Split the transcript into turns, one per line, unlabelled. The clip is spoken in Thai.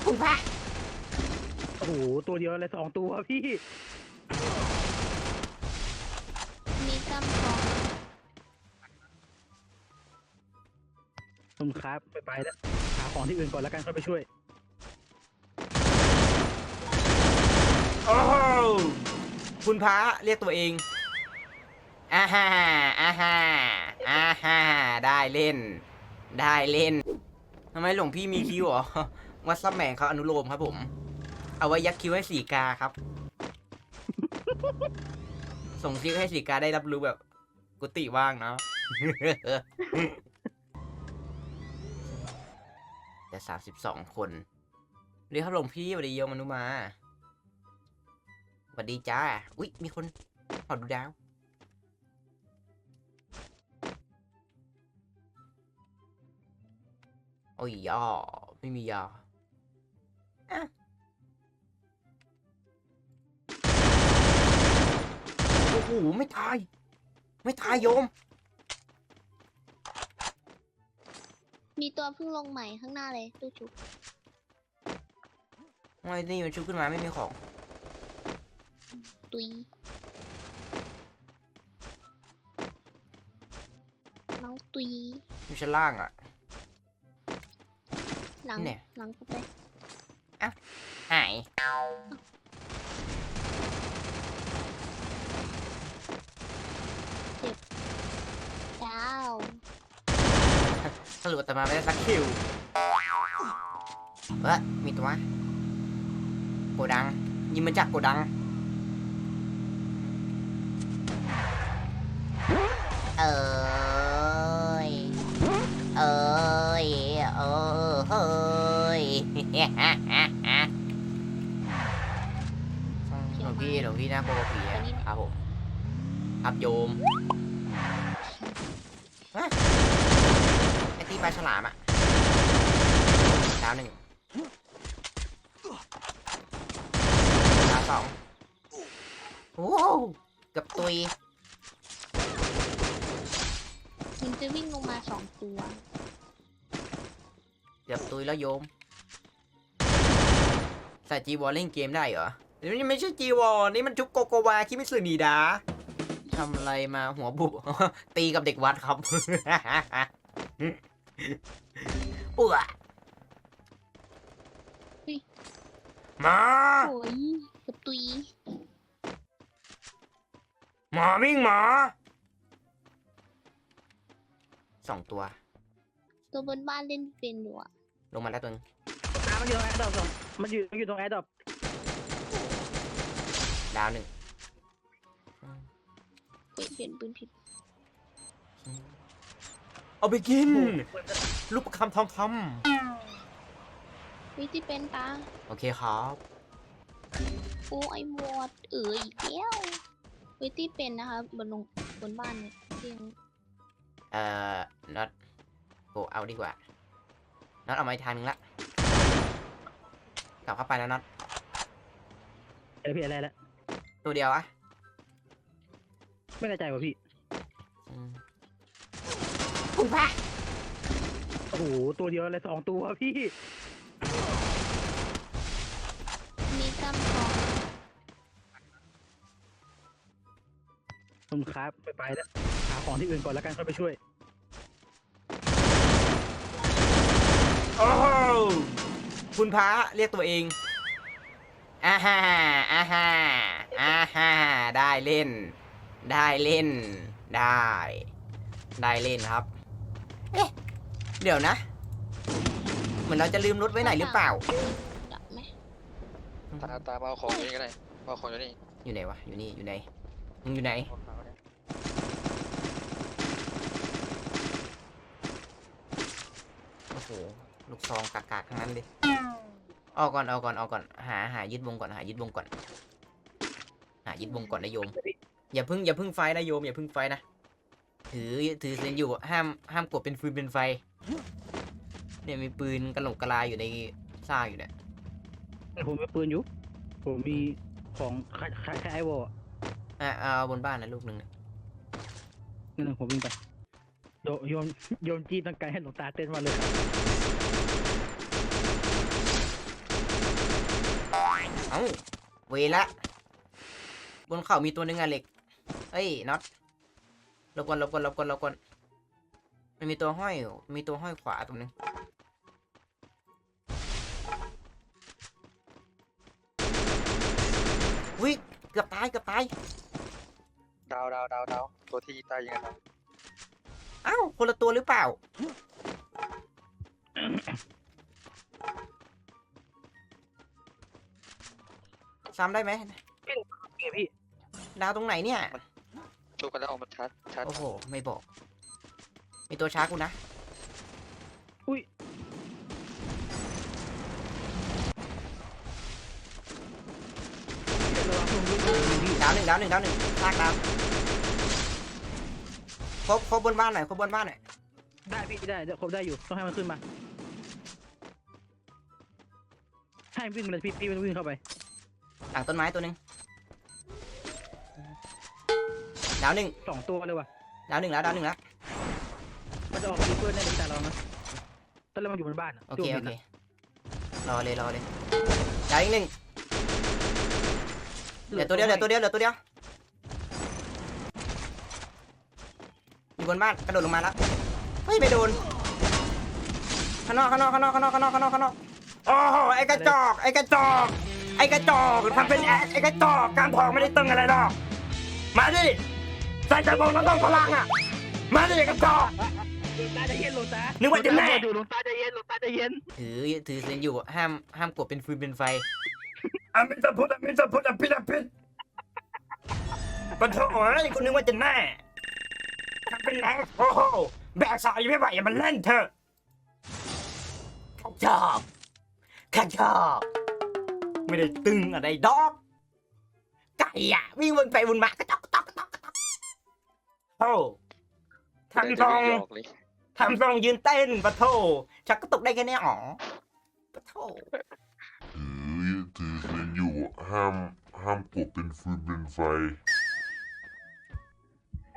คุณพระ
โอ้โหตัวเดียวอะไร2 ตัวพี่
มีกำของ
คุณครับไปแล้วหาของที่อื่นก่อนแล้วกันค่อยไปช่วย
โอ้โหคุณพระเรียกตัวเองอ่าฮ่าอ่าฮ่าอ่าฮ่าได้เล่นได้เล่นทำไมหลวงพี่มีคิวเหรอวัดซับแมงเขาอนุโลมครับผมเอาไว้ยักคิวให้สีกาครับส่งซิกให้สีกาได้รับรู้แบบกุฏิว่างเนาะจะ32 คนเรียกครับหลวงพี่สวัสดีโยมอนุมาสวัสดีจ้าอุ๊ยมีคนขอดูดาวโอ้ยยาไม่มียาอะโอ้โหไม่ตายไม่ตายโยม
มีตัวเพิ่งลงใหม่ข้างหน้าเลยตู้ชุบ
ทำไมนี่มันชุบขึ้นมาไม่มีของ
ตุยน้องตุย
อยู่ชั้นล่างอ่ะ
หลัง
เนี่ย
หลังกูไป
หาย
ดาว
สรุปแต่มาไม่ได้สักคิวมีตัวโกดังยิงมาจากโกดังเอ้ยเอ้ยเฮ้ยหลวงพี่น่ากลัวกว่าผีอะครับผมครับโยมไอตีปลาฉลามอะดาว 1ดาว 2โอ้เกือบตุย
มันจะวิ่งลงมา2 ตัว
เกือบตุยแล้วโยมใส่จีวอลเล่นเกมได้เหรอเดี๋ยวนี้ไม่ใช่จีวอลนี่มันชุบโกโกวาคิมิสึนีดาทำอะไรมาหัวบุ ตีกับเด็กวัดครับ อ้วมา
โอ้ยกับตุย
หมาวิ่งหมา2 ตัว
ตัวบนบ้านเล่นเป็นอยู่อะ
ลงมาแล้วตัวนึง
มันอยู่ตรงแอร์ดรอปมันอยู่ตรงแอร์ดรอป
ดาว 1
เปลี่ยนปืนผิด
เอาไปกินลูกประคำทองค
วิที่เป็นตา
ำโอเคครับ
โอ้ไอหมดอีกแล้ววิที่เป็นนะคะบนบ้านเนี่ยเตียง
น็อตโกเอาดีกว่าน็อตเอามาอีกทางนึงละกลับเข้าไปแล้วน็อต
พี่อะไรแล้ว
ตัวเดียวอะ
ไม่แน่ใจว่ะพี่
คุณพระ
โอ้โหตัวเดียวอะไร2 ตัวพี่
มีกำของ
คุณครับไปแล้วหาของที่อื่นก่อนแล้วกันค่อยไปช่วย
โอ้โหคุณพระเรียกตัวเองอ่าฮ่าอ่าฮ่าอ่าฮ่าได้เล่น ได้เล่นได้เล่นครับเอ๊ะเดี๋ยวนะเหมือนเราจะลืมรถไว้ไหนหรือเปล่า
ดับไหม
ตาเอาของอยู่นี่ก็ได้เอาของอยู่นี่
อยู่ไหนวะอยู่นี่อยู่ไหนมึงอยู่ไหนโอ้โหลูกซองกากๆทั้งนั้นเลยเอาก่อนหายึดวงก่อนหายึดวงก่อนนะโยมอย่าเพิ่งไฟนะโยมอย่าเพิ่งไฟนะถือเซนอยู่ห้ามกดเป็นฟืนเป็นไฟเนี่ยมีปืนกระโหลกกระลาอยู่ในซ่าอยู่เนี่ย
ผมมีปืนอยู่ผมมีของคล้ายไอวอล
เอาบนบ้านนะลูกหนึ่งนะ
นั่นผมวิ่งไปโยนจีบตั้งไกลให้หลวงตาเต้นมาเลย
เวละบนเขามีตัวหนึงอะเหล็กเฮ้ยน็อตหลบก่อนหลบก่อนหลบก่อนหลบก่อนมันมีตัวห้อยขวาตรงนึงวิเกือบตาย
ดาวตัวที่ตายยังไงครับ
อ้าวคนละตัวหรือเปล่าซ้ำได้ไหม
เฮ้ยพี่
ดาวตรงไหนเนี่ย
ชุบกันแล้วออกมาชัด
โอ้โห ไม่บอก มีตัวช้ากูนะ
อุ้ยระวังผมด้วยพี่
ดาวหนึ่งลากดาวครบบนบ้านหน่อย
ได้พี่ได้เดี๋ยวครบได้อยู่ต้องให้มันขึ้นมาให้มันวิ่งมาเลยพี่มันวิ่งเข้าไป
หลังต้นไม้ตัวหนึ่งดาวหนึ่ง
2 ตัวเลยว่ะ
แล้ว
มันจะออกมาดูเพื่อนได้ในแต่เรานะตอนแรกมันอยู่บนบ้านอะ
โอเค รอเลย ดาวอีกหนึ่งเหลือตัวเดียวอยู่บนบ้าน กระโดดลงมาแล้ว เฮ้ย ไม่โดน ข้างนอกโอ้โห ไอ้กระจอกทำเป็นไอ้กระจอกการทองไม่ได้ตึงอะไรหรอก มาดิ ใส่กระบอกแล้วต้องพลังอ่ะ มาดิกระจอก
หลวงตาใจเย็นหลวงตา
นึกว่าจะแน่
หลวงตาใจเย็น
ถือเซนอยู่ห้ามกดเป็นฟืนเป็นไฟ
อามิสพุทธอภิษปะโถเอ้ยคุณนึกว่าจะแน่ทำเป็นแรงโอ้โหแบกสายไม่ไหวอย่ามันเล่นเถอะ
ข้าชอบไม่ได้ตึงอะไรดอก ไก่อะวิ่งวนไปวนมากระจอก
โอ้
ๆ
ทำทรง
หยอกเลย
ทำทรงยืนเต้นปะโถ
ชักกระตุกได้แค่นี้อ๋อปะโถ
ถือเซนอยู่ห้ามกดเป็นฟืนเป็นไฟ